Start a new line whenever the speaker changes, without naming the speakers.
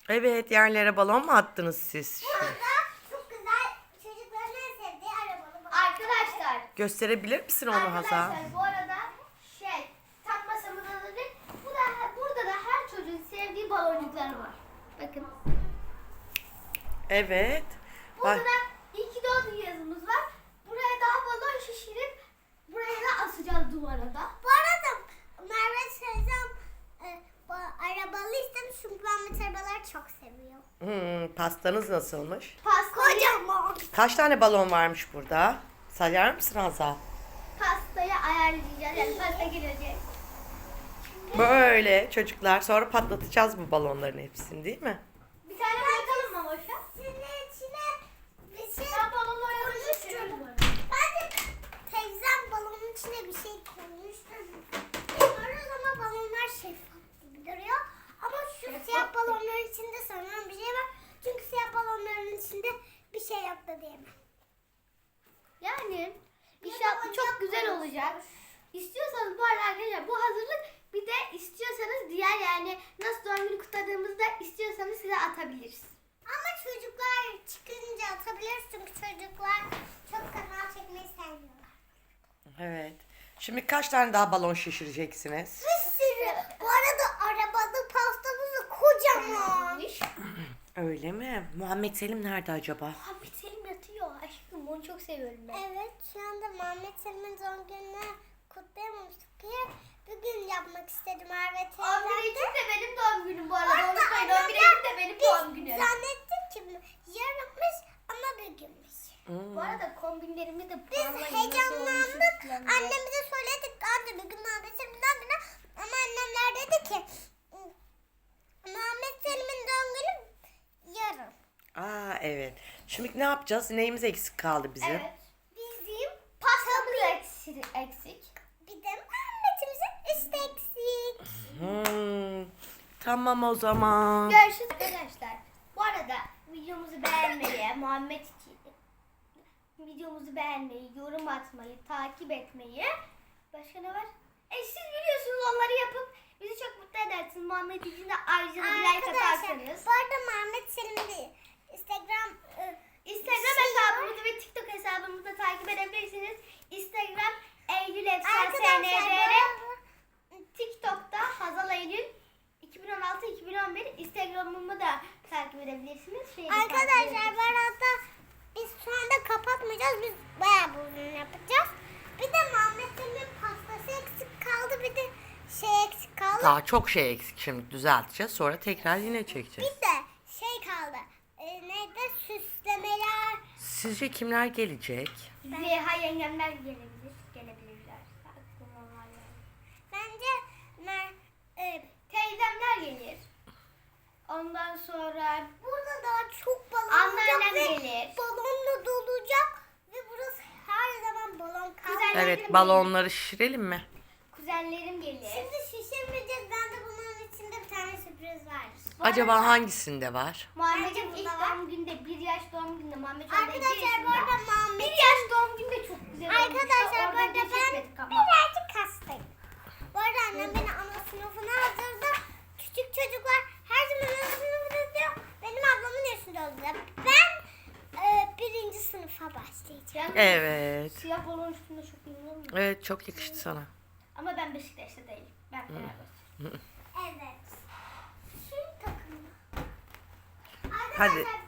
Evet, yerlere balon mu attınız siz?
Burada çok güzel çocukların en sevdiği arabalı balon.
Arkadaşlar.
Gösterebilir misin onu Hazal?
Arkadaşlar bu arada tam masamızda da değil. Burada da her çocuğun sevdiği baloncuklar var. Bakın.
Evet.
Burada
Bak,
da iyi ki doğdun yazımız var. Buraya daha balon şişirip buraya da asacağız duvara da.
Bu arada Merve teyzem arabalı istemiş çünkü ben arabaları çok seviyorum.
pastanız nasılmış?
Pastayı,
Kocaman.
Kaç tane balon varmış burada? Sayar mısın Hazal?
pastayı ayarlayacağız. Yani pasta gelecek.
Böyle çocuklar, sonra patlatacağız bu balonların hepsini, değil mi?
Bir tane bırakalım mı boşa?
Senin içine bir şey
Ben balonu
koymuştum. Bence teyzem balonun içine bir şey koymuştu. Bilmiyoruz ama balonlar şeffaf gibi duruyor. Ama şu siyah balonların içinde sanırım bir şey var. Çünkü siyah balonların içinde bir şey yok da diyemem.
Yani inşallah çok güzel olacak. İstiyorsanız bu arada arkadaşlar bu hazırlık, bir de istiyorsanız diğer yani nasıl doğum günü kutladığımızda istiyorsanız size atabiliriz.
Ama çocuklar çıkınca atabiliriz çünkü çocuklar çok kanal çekmeyi sevmiyorlar.
Evet. Şimdi kaç tane daha balon şişireceksiniz?
Bir sürü. Bu arada arabalı pastamız da kocaman.
Öyle mi? Muhammed Selim nerede acaba?
Muhammed Selim yatıyor aşkım, onu çok seviyorum ben.
Evet, şu anda Mehmet Selim'in doğum gününü kutlayamamıştık ki bugün yapmak istedim Merve
11
teyzemde.
Ekim de benim doğum günüm bu arada.
Orada
Unutmayın, 11
annemler
Ekim de benim doğum
Biz
günüm.
zannettik ki yarınmış ama bugünmüş.
Hmm.
Bu arada kombinlerimi de
Biz
puanlayın, nasıl
heyecanlandık.
olmuş falan diye.
Annemize söyledik. Anne bugün Mehmet Selim'in doğum günü. Ama annemler dedi ki Mehmet Selim'in doğum günü yarın.
Aa, evet. Şimdi ne yapacağız? Neyimiz eksik kaldı bizim?
Evet. Bizim pastamız eksik.
Bir de Mehmet'imizin üstü eksik.
Tamam o zaman.
Görüşürüz arkadaşlar. Bu arada videomuzu beğenmeyi, Muhammed için videomuzu beğenmeyi, yorum atmayı, takip etmeyi. Başka ne var? Siz biliyorsunuz, onları yapıp bizi çok mutlu edersiniz. Muhammed için de ayrıca bir like atarsanız.
Bu arada Mehmet Selim'in Instagram
Hesabımızı ve TikTok hesabımızı da takip edebilirsiniz. Instagram Eylül Efsane
arkadaşlar
SNDR, TikTok'ta Hazal Eylül 2016-2011, Instagram'ımı da takip edebilirsiniz.
arkadaşlar bu arada biz şu anda kapatmayacağız. Biz bayağı bir uzun yapacağız. Bir de Mehmet Selim'in pastası eksik kaldı. Bir de şey eksik kaldı.
Daha çok şey eksik, şimdi düzelteceğiz. Sonra tekrar yine çekeceğiz.
Bir de şey kaldı. Neydi? Süslemeler.
Sizce kimler gelecek?
Zeyha yengemler gelebilirler. Aklıma var yani.
Bence
Teyzemler gelir. Ondan sonra
burada daha çok balon
Anneannem
olacak ve
gelir.
balonla dolacak ve burası her zaman balon kalacak.
Güzel.
Evet, balonları şişirelim mi?
kuzenlerim gelir.
Şimdi şişirmeyeceğiz. Ben de bunun içinde bir tane sürpriz var.
Acaba hangisinde var?
Muhammed'in
Bence
ilk
bunda var.
doğum günde, 1 yaş doğum günde Muhammed
Arkadaşlar bu arada
1
Muhammed
yaş doğum günde çok güzel olmuştu.
Arkadaşlar bu
Orada
arada ben
geçirmedik ama.
birazcık hastayım. Bu arada annem beni ana sınıfına hazırladı. Küçük çocuklar her zaman ana sınıfında diyor. Benim ablamın yaşında olacak. Ben birinci sınıfa başlayacağım.
Evet.
Siyah balon üstünde çok iyi olur mu?
Evet, çok yakıştı sana.
Ama ben Beşiktaş'ta değilim. Ben Fenerbahçe.
Evet. Şu takımda.
Hadi.
Arkadaşlar